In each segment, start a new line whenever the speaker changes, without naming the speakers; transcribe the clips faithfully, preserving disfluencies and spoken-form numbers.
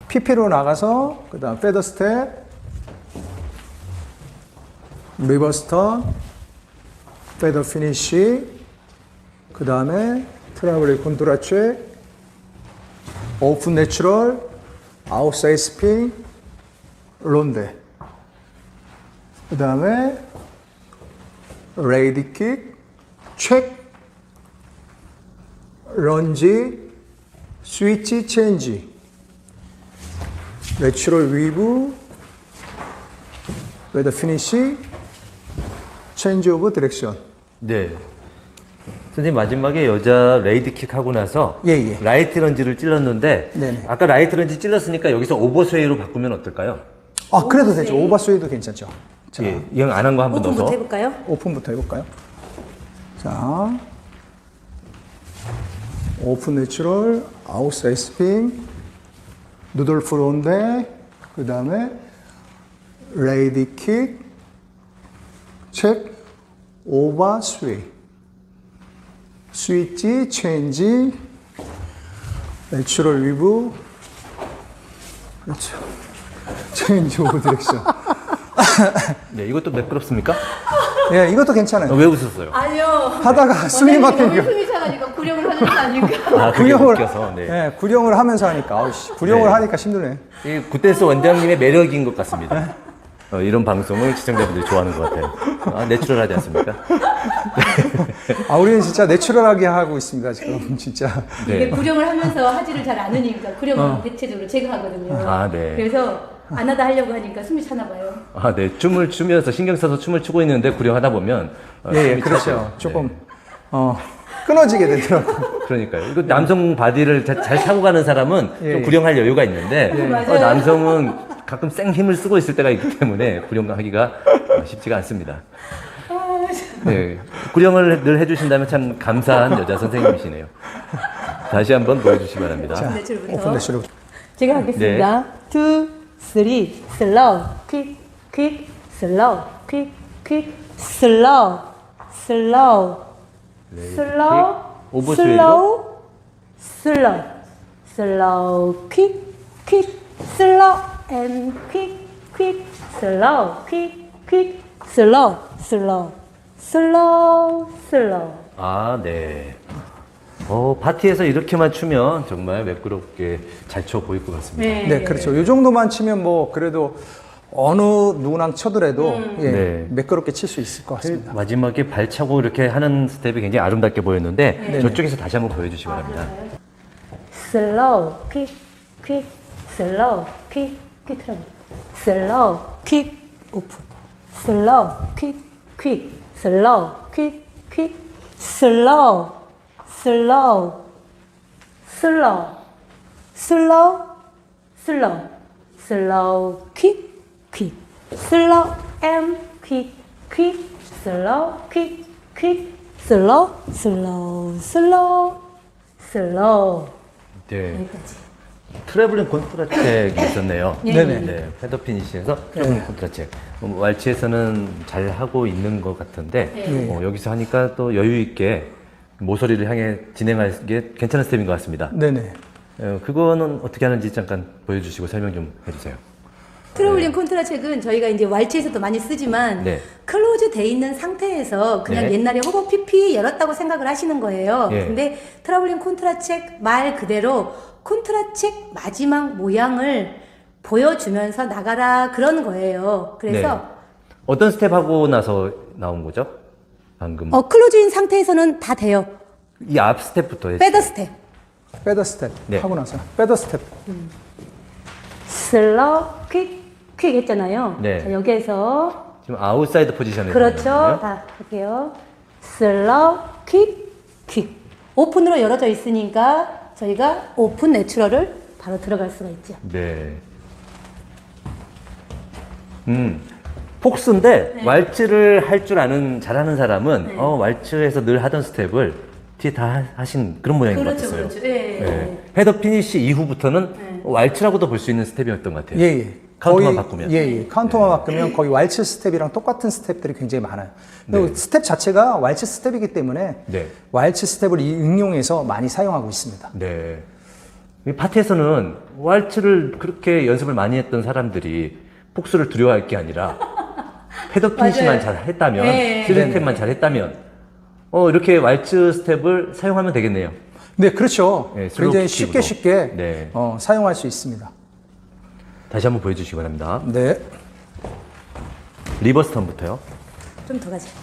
피피로 나가서 그 다음 페더 스텝, 리버스 턴, 페더 피니쉬, 그 다음에 트러블링 콘트라체, 오픈 내추럴, 아웃사이드 스핀, 론데. 그 다음에 레이디 킥, 체크, 런지, 스위치 체인지, 내추럴 위브, 웨더 피니시, 체인지 오브 디렉션.
네. 선생님 마지막에 여자 레이드킥 하고 나서
예, 예.
라이트 런지를 찔렀는데
네네.
아까 라이트 런지 찔렀으니까 여기서 오버스웨이로 바꾸면 어떨까요?
아, 그래도 되죠. 오버스웨이도 괜찮죠. 자,
예, 이형 안 한 거 한 번
오픈부터
넣어서.
해볼까요?
오픈부터 해볼까요? 자, 오픈 내추럴, 아웃사이드 스핀, 누돌프 론데, 그 다음에 레이디 킥, 체크, 오버 스웨이, 스위치, 체인지, 내추럴 위브, 그렇죠. 체인지 오브 디렉션.
네, 이것도 매끄럽습니까?
예, 이것도 괜찮아요.
어, 왜 웃었어요?
아니요.
하다가 숨이 막히니까.
너무 숨이 차가지고 구령을 하는 거 아닐까?
아, 그게
구령을,
웃겨서. 네.
예, 구령을 하면서 하니까, 아우씨, 구령을
네.
하니까 힘드네.
이 굿댄스 원장님의 매력인 것 같습니다. 어, 이런 방송을 시청자분들이 좋아하는 것 같아요. 아, 내추럴하지 않습니까?
아, 우리는 진짜 내추럴하게 하고 있습니다, 지금, 진짜.
이게
네.
구령을 하면서 하지를 잘 않으니까 구령은 대체적으로 제가 하거든요.
아, 네.
그래서 안 하다 하려고 하니까 숨이 차나 봐요.
아, 네. 춤을 추면서 신경 써서 춤을 추고 있는데 구령하다 보면 어,
예, 예,
숨이
그렇죠.
차죠.
조금,
네.
어, 끊어지게 되더라고요.
그러니까요. 이거 남성 바디를 자- 잘 타고 가는 사람은
예,
좀
예.
구령할 여유가 있는데
예. 맞아요.
어, 남성은 가끔 생 힘을 쓰고 있을 때가 있기 때문에 구령하기가 어, 쉽지가 않습니다. 네, 구령을 늘 해주신다면 참 감사한 여자 선생님이시네요. 다시 한번 보여주시기 바랍니다.
자,
내추럴부터.
오픈 내추럴.
제가 하겠습니다. 투, 쓰리, 슬로우, 퀵, 퀵, 슬로우, 퀵, 퀵, 슬로우, 슬로우, 슬로우,
오버스웨이로?
슬로우, 슬로우, 슬로우, 퀵, 퀵, 슬로우, 앤 퀵, 퀵, 슬로우, 퀵, 퀵, 슬로우, 슬로우, 슬로우, 슬로우.
아, 네. 어, 파티에서 이렇게만 추면 정말 매끄럽게 잘 춰 보일 것 같습니다.
네, 그렇죠. 이 정도만 치면 뭐, 그래도 어느 누구랑 쳐더라도, 예,
네.
매끄럽게 칠 수 있을 것 같습니다.
마지막에 발차고 이렇게 하는 스텝이 굉장히 아름답게 보였는데
네.
저쪽에서 다시 한번 보여주시기 바랍니다.
슬로우, 퀵, 퀵, 슬로우, 퀵, 퀵 트러블. 슬로우, 퀵, 오픈. 슬로우, 퀵, 퀵, 슬로우, 퀵, 퀵, 슬로우, 슬로우, 슬로우, 슬로우, 슬로우, 슬로우, 퀵, 퀵, 슬로우, 앤 퀵, 퀵, 슬로우, 퀵, 퀵, 슬로우, 슬로우, 슬로우, 슬로우.
네.
여기까지.
트래블링 콘트라책이 있었네요.
예,
네네.
네, 패더 피니시에서 트래블링 콘트라책. 어, 왈츠에서는 잘 하고 있는 것 같은데
네.
어, 여기서 하니까 또 여유 있게 모서리를 향해 진행할 게 괜찮은 스텝인 것 같습니다.
네네.
어, 그거는 어떻게 하는지 잠깐 보여주시고 설명 좀 해주세요.
트러블링 콘트라책은 저희가 이제 왈츠에서도 많이 쓰지만
네.
클로즈 돼 있는 상태에서 그냥
네.
옛날에 호버 피피 열었다고 생각을 하시는 거예요.
예.
근데 트러블링 콘트라책 말 그대로 콘트라책 마지막 모양을 보여주면서 나가라 그런 거예요. 그래서
네. 어떤 스텝 하고 나서 나온 거죠? 방금
어, 클로즈인 상태에서는 다 돼요.
이 앞 스텝부터 했어요.
페더 스텝.
페더 스텝.
네.
하고 나서. 페더 스텝.
슬로우 퀵, 퀵 했잖아요.
네.
자, 여기에서
지금 아웃사이드 포지션에
그렇죠.
있거든요.
다 할게요. 슬로우 퀵, 퀵. 오픈으로 열어져 있으니까 저희가 오픈 내추럴을 바로 들어갈 수가 있죠.
네. 음, 폭스인데 왈츠를 할 줄 아는 잘하는 사람은
네.
어, 왈츠에서 늘 하던 스텝을 뒤에 다 하- 하신 그런 모양인 것
그렇죠,
같았어요.
그렇죠. 예, 예,
네. 헤더 피니시 이후부터는
네.
왈츠라고도 볼 수 있는 스텝이었던 것 같아요.
예, 예.
카운터만
거의-
바꾸면.
예, 예. 카운터만 바꾸면 거의 왈츠 스텝이랑 똑같은 스텝들이 굉장히 많아요. 그리고
네.
스텝 자체가 왈츠 스텝이기 때문에
네.
왈츠 스텝을 이- 응용해서 많이 사용하고 있습니다.
네. 이 파티에서는 왈츠를 그렇게 연습을 많이 했던 사람들이 폭스를 두려워할 게 아니라 패더 피니시만
맞아요.
잘 했다면,
네.
스릴
네네.
스텝만 잘 했다면, 어, 이렇게 왈츠 스텝을 사용하면 되겠네요.
네, 그렇죠.
네, 슬로우
굉장히
킥으로.
쉽게 쉽게
네.
어, 사용할 수 있습니다.
다시 한번 보여주시기 바랍니다.
네.
리버스 턴부터요.
좀 더 가자.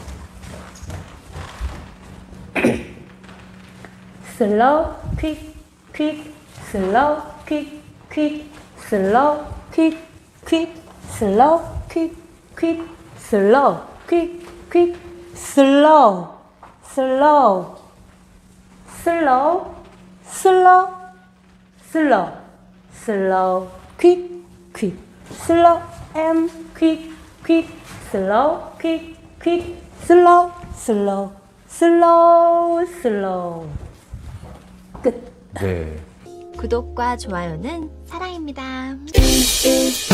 슬로우 퀵 퀵 슬로우 퀵 퀵 슬로우 퀵 퀵 슬로우 퀵 퀵 슬로우 퀵 퀵 슬로우 슬로우 슬로우 슬로우 슬로우 슬로우 퀵 퀵 슬로우 앤 퀵 퀵 슬로우 퀵 퀵 슬로우 슬로우 슬로우 슬로우 끝.
네.
구독과 좋아요는 사랑입니다.